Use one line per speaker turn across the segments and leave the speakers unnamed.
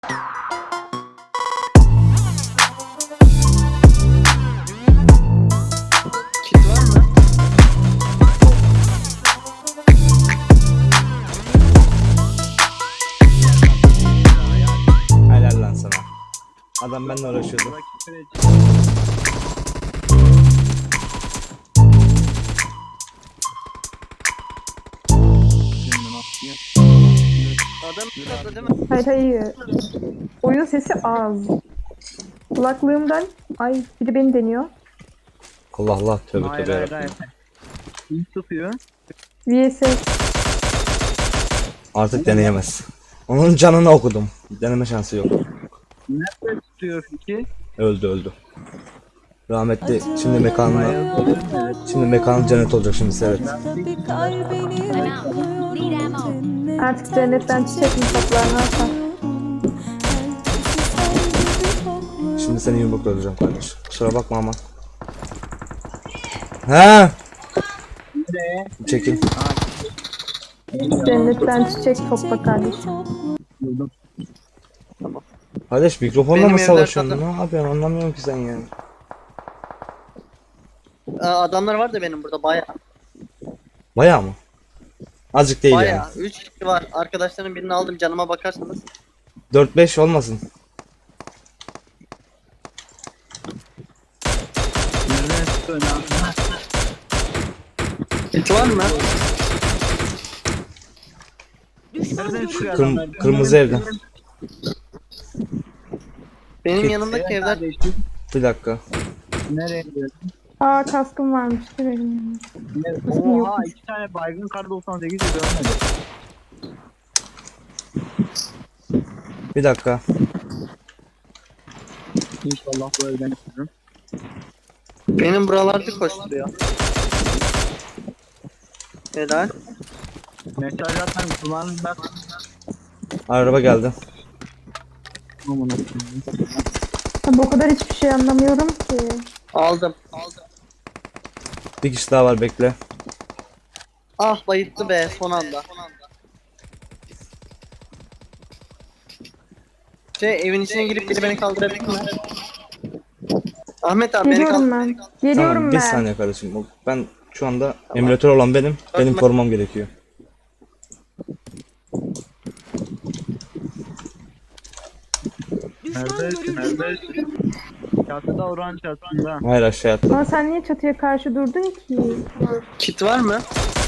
Kit var mı?
Helal lan sana. Adam benimle uğraşıyordu.
Adam katla değil mi?
Hayır hayır. Oyun sesi az. Kulaklığımdan ay biri beni deniyor.
Allah Allah, tövbe
Hayır
tövbe
hayır
yarabbim.
hayır. Kim tutuyor?
VSS.
Artık deneyemez. Onun canını okudum. Deneme şansı yok.
Nerede tutuyor ki?
Öldü. Rahmetli şimdi mekanı cennet olacak şimdi seyret.
Artık cennetten çiçek mi toplar ne yapar?
Şimdi seni yumrukla öldüreceğim kardeş. Kusura bakma ama. He? Çekil.
Cennetten çiçek topla kardeşim.
Kardeş mikrofonla
Benim
mı
evler
savaşıyorsun?
zaten-
Ne yapıyorsun? Anlamıyorum ki sen ya.
Adamlar var da benim burada baya.
Bayağı mı? Azıcık değil yani.
Baya. 3 kişi var. Arkadaşların birini aldım, canıma bakarsanız.
4-5 olmasın.
Nereden tutuyor?
Kit var mı?
Nereden çıkıyor adamlar?
Kırmızı evde.
Benim
Kit.
yanımdaki evler.
Bir dakika.
Nereye gidiyorsun?
Aa kaskım varmış ki benim.
Oha 2 tane baygın kar 98 de görmedim.
Bir dakika.
İnşallah bu evden çıkarım.
Benim buralarda koşturuyor. Helal.
Mesaj atan kullanımda
Araba geldi.
Tabii o kadar hiçbir şey anlamıyorum ki.
Aldım.
Bir kişi daha var, bekle.
Ah bayıttı be son anda. Evin içine girip biri beni kaldırabilir mi? Ahmet abi beni
Geliyorum
kaldır.
ben. Geliyorum
Tamam, bir
ben.
saniye kardeşim. Ben şu anda emülatör olan benim. Benim korumam gerekiyor.
Neredesin? Neredesin? Çatıda oran çatısında.
Hayır, aşağı atladım.
Ama sen niye çatıya karşı durdun ki?
Kit var mı?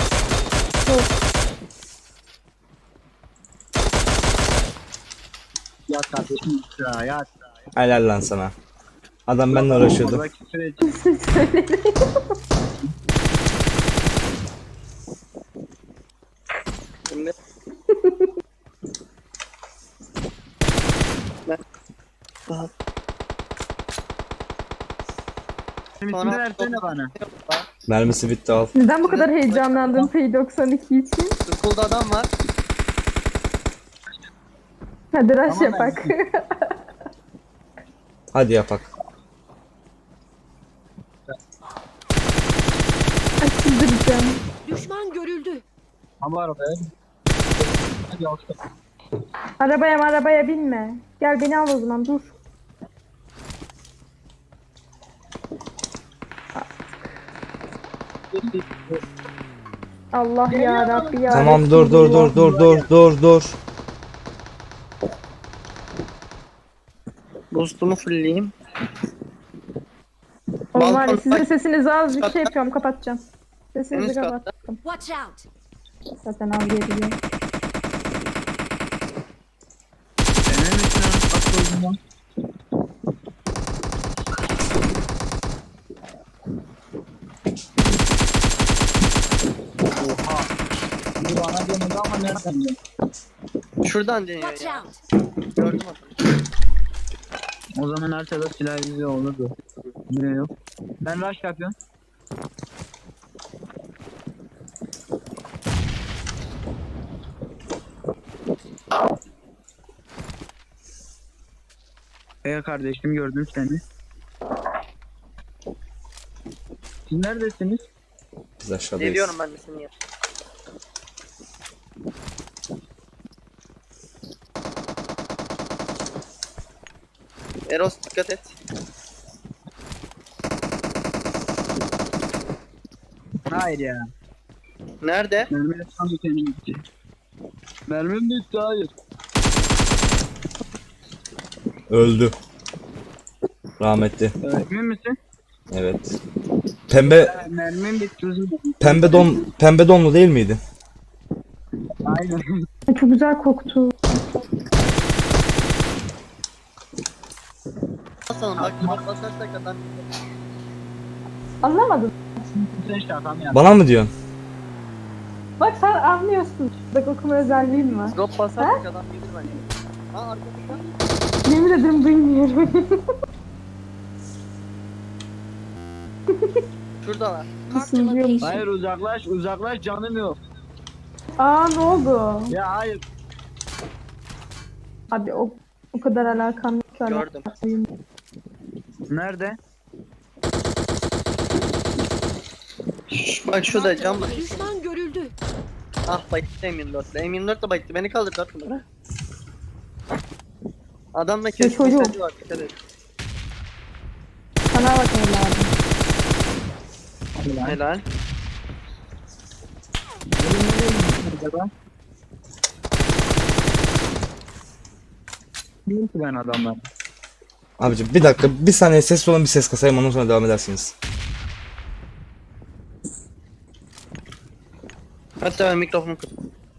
Yat kardeşim ya yat.
Helal lan sana. Adam benimle uğraşıyordu.
Buradaki süreç
Şimdi.
üstünde versene bana.
Mermisi bitti, al.
Neden bu kadar heyecanlandın P92 için?
School'da adam var.
Hadi rush
Tamam,
yapak.
Hadi yapak.
Ay çıldıracağım.
Düşman görüldü.
Ama arabaya. Hadi yoksa.
Arabaya binme. Gel beni al o zaman dur. Allah ya Rabbi ya.
Tamam, dur.
Boost'umu fullleyeyim.
Oğlum var ya,
Balkon-
sizin sesinizi azıcık
Katta.
şey yapıyorum, kapatacağım. Sesinizi
En üst katta.
kapattım.
Watch out.
Zaten al geliyor.
Senin üstüne atıldım. Oha. Bu bana denedi ama nereden geldi?
Şuradan deniyor
Watch
ya.
out.
Gördüm adamı.
O zaman arkada silah izi olurdu. Yine yok. Ben rush yapıyorum. Kardeşim gördüm seni. Siz neredesiniz?
Biz aşağıdayız.
Geliyorum ben de seni ya. Eros dikkat et.
Hayır ya.
Nerede?
Mermi tam senin bitti. Mermim bitti hayır.
Öldü. Rahmetli.
Emin misin?
Evet. Pembe
Mermim bitti.
pembe donlu değil miydi?
Aynen.
Çok güzel koktu.
Basalım bak drop basarsak adam.
Anlamadım.
Sen şakam ya.
Bana mı diyorsun?
Bak sen anlıyorsun. Bak okuma özelliğim var.
Drop basarsak adam gelir bence. Ha arkadaşlar.
Yemin ederim duymuyorum.
Şuradalar.
Sızlıyormuş.
Hayır uzaklaş canım yok.
Aa ne oldu?
Ya hayır.
Abi o kadar alakam yok ki.
Gördüm.
Nerede?
Bak şurada cam var.
Düşman görüldü.
Ah bayıttı M24'le. M24'le bayıttı. Beni kaldır 4 numara. Adamla keskin
çocuğum.
sesi var. Dikkat et.
Sana bak evladım.
Helal.
Acaba? Bilmiyorum ki ben adamlar.
Abicim bir dakika, bir saniye sessiz olun, bir ses kasayım, ondan sonra devam edersiniz.
Hatta ben mikrofonu kır.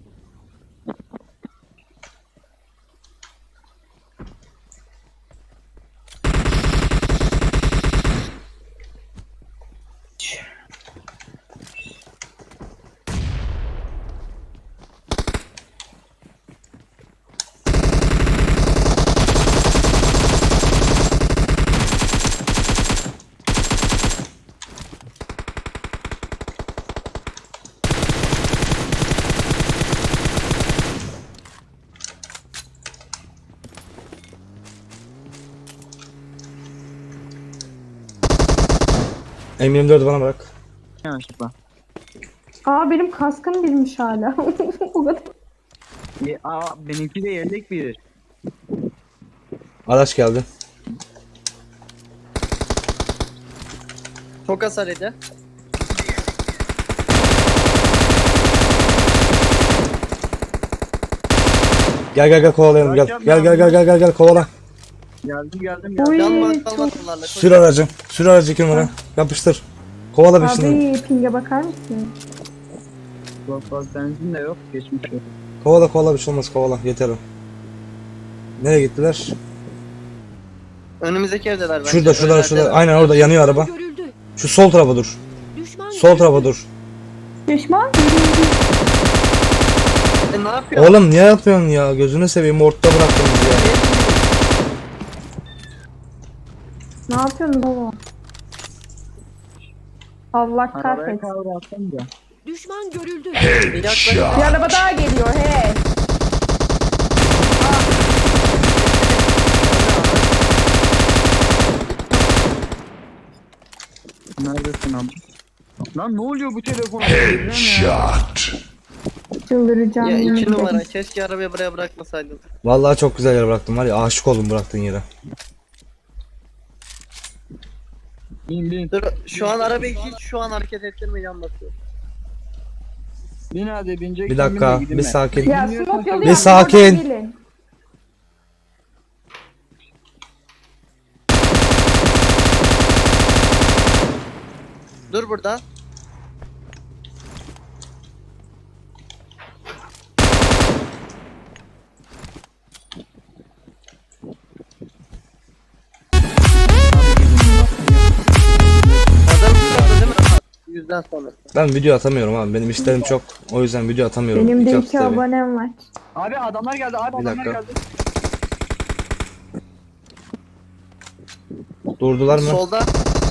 M24'ü bana bırak.
Yanlışlıkla.
Aa benim kaskım bilmiş hala. O kadar.
Benimki de yedek bir.
Araç geldi.
Çok hasar edi.
Gel kovalayalım, gel. Gel kovala.
Geldim.
Uy,
Can var
çok-
kalmaz bunlarla.
Sür aracı. Sür aracı 2 numara. Yapıştır. Kovala bir şimdi.
Abi pinge bakar mısın?
Bak benzin de yok. Geçmiş yok.
Kovala bir şey olmaz, kovala. Yeter o. Nereye gittiler?
Önümüzdeki evdeler bence.
Şurada.
Önlerdeler.
Aynen orada yanıyor araba.
Görüldü.
Şu sol tarafa dur.
Düşman
Sol tarafa dur.
Düşman?
Ne yapıyorsun?
Oğlum niye yapıyorsun ya? Gözünü seveyim, ortada bıraktınız ya.
Ne yapıyorsun baba? Allah
Arabaya
kahretsin.
kavrattım da.
Düşman görüldü.
Bir yaklaş.
Bir araba daha geliyor he.
Neredesin abi? Lan ne oluyor bu telefona?
Çıldıracağım.
Ya
yemin
2
ederim.
numara. Keşke arabayı buraya bırakmasaydın.
Vallahi çok güzel yer bıraktım var ya, aşık oldum bıraktığın yere.
Bin.
Dur şu an arabayı hiç şu an hareket ettirme yan basıyor.
Bin hadi binecek.
Bir dakika, bir sakin.
Ya smoke yolu
Bir
yaptım,
sakin.
oradan gelin.
Dur burada. Adam burada değil mi? Yüzden sonra.
Ben video atamıyorum abi, benim işlerim çok. O yüzden video atamıyorum.
Benim de 2
haftada bir.
abonem var.
Abi adamlar geldi abi
Bir
adamlar
dakika.
geldi.
Durdular mı?
Solda.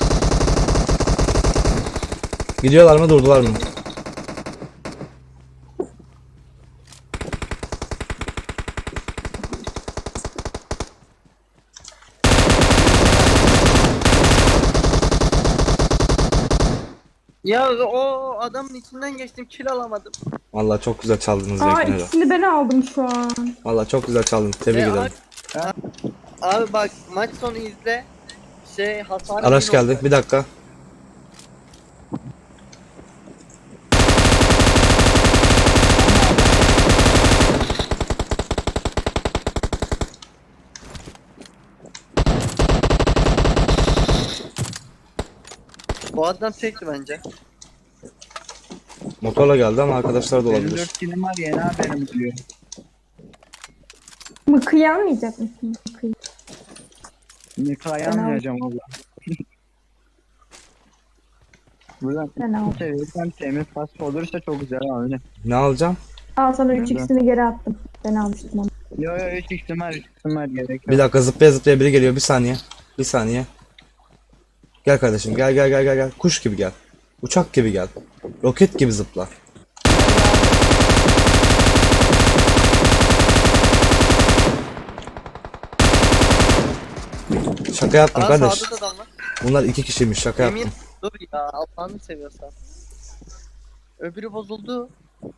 Gidiyorlar mı, durdular mı?
Ya o adamın içinden geçtim kill alamadım.
Vallahi çok güzel çaldınız
Aa
Zevkine de.
ikisini ben aldım şu an.
Vallahi çok güzel çaldınız. Tebrik
E,
ederim.
Abi bak maç sonu izle. Hasar
Araç
değil
geldi.
oldu.
Bir dakika.
Bu adam tekti bence.
Motorla geldi ama arkadaşlar da
Benim
olabilir.
4 kilim var yeni haberim diyor.
Mıkıyı almayacak mısın? Mıkıyı.
Nikahı almayacağım valla. Buradan
Ben aldım.
seviyorsam temiz pas olursa çok güzel abi.
Ne alacağım?
Al sana 3x'ini geri attım. Ben almıştım onu.
Yo 3 ihtimal gerek yok.
Bir dakika, zıplaya zıplaya biri geliyor. Bir saniye. Bir saniye. Gel kardeşim, gel gel gel gel gel. Kuş gibi gel. Uçak gibi gel. Roket gibi zıpla. Şaka yaptım
Aa
kardeş.
sağda da adam var.
Bunlar 2 kişiymiş, şaka
Emin
yaptım.
dur ya Allah'ını seviyorsan. Öbürü bozuldu.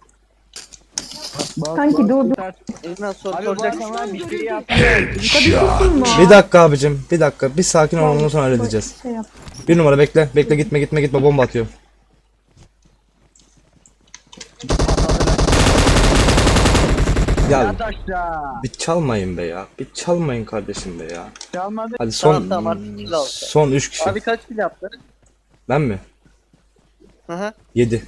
Kanki dur dur.
Elinden
Abi bu
soracaksın.
adamlar bir şey yaptı.
Tutun mu?
Bir dakika abicim, bir dakika. Bir sakin ol, ondan sonra halledeceğiz.
Şey yap.
Bir numara bekle, bekle, gitme gitme gitme, bomba atıyor. Ya
Yat aşağı.
bir çalmayın be ya. Bir çalmayın kardeşim be ya.
Çalmadı.
Hadi son
Tamam, artık kill aldı.
son 3 kişi.
Abi kaç kill yaptı?
Ben mi?
Hı hı.
7.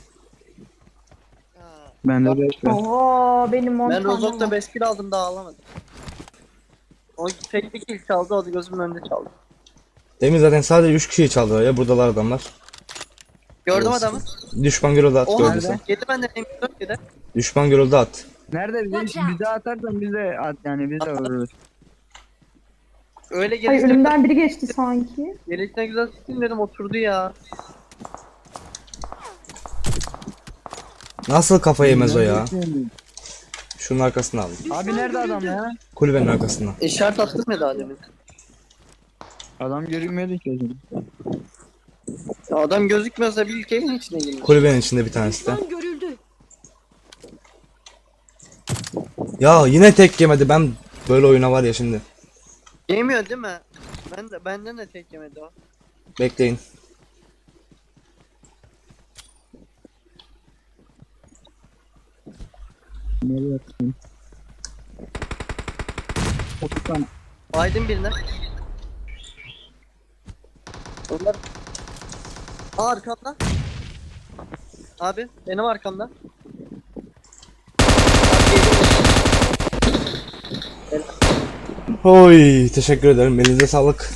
Ben de 5
Oo benim 10
Ben
tane
Rozok'ta
var.
5 kill aldım daha alamadım. O tek bir kill çaldı, o da gözümün önünde çaldı.
Demin zaten sadece 3 kişiyi çaldılar ya, buradalar adamlar.
Gördüm
Olsun.
adamı.
Düşman görüldü, at
O
gördüysen.
nerede? Yedi benden M4 yedi.
Düşman görüldü, at.
Nerede
Watch out.
bize atarsan biz de at yani biz de vururuz.
Öyle
Ay
gelişine,
önümden biri geçti sanki.
gelişine güzel sıktım dedim oturdu ya.
Nasıl kafa yemez o ya? Şunun arkasına aldım.
Abi nerede adam ya?
Kulübenin arkasına.
İşaret attım ya daha demin.
Adam görünmedi ki o zaman.
Ya adam gözükmüyorsa bir ülkenin içine girmiş.
Kulübenin içinde bir tanesi de.
Düşman görüldü.
Ya yine tek yemedi, ben böyle oyuna var ya şimdi.
Yemiyor değil mi? Benden de tek yemedi o.
Bekleyin.
Nereye atayım? 30 tane.
Aydın birine. Onlar... Aa arkamda. Abi benim arkamda. Abi, geliyor.
Oy, teşekkür ederim. Elinize sağlık.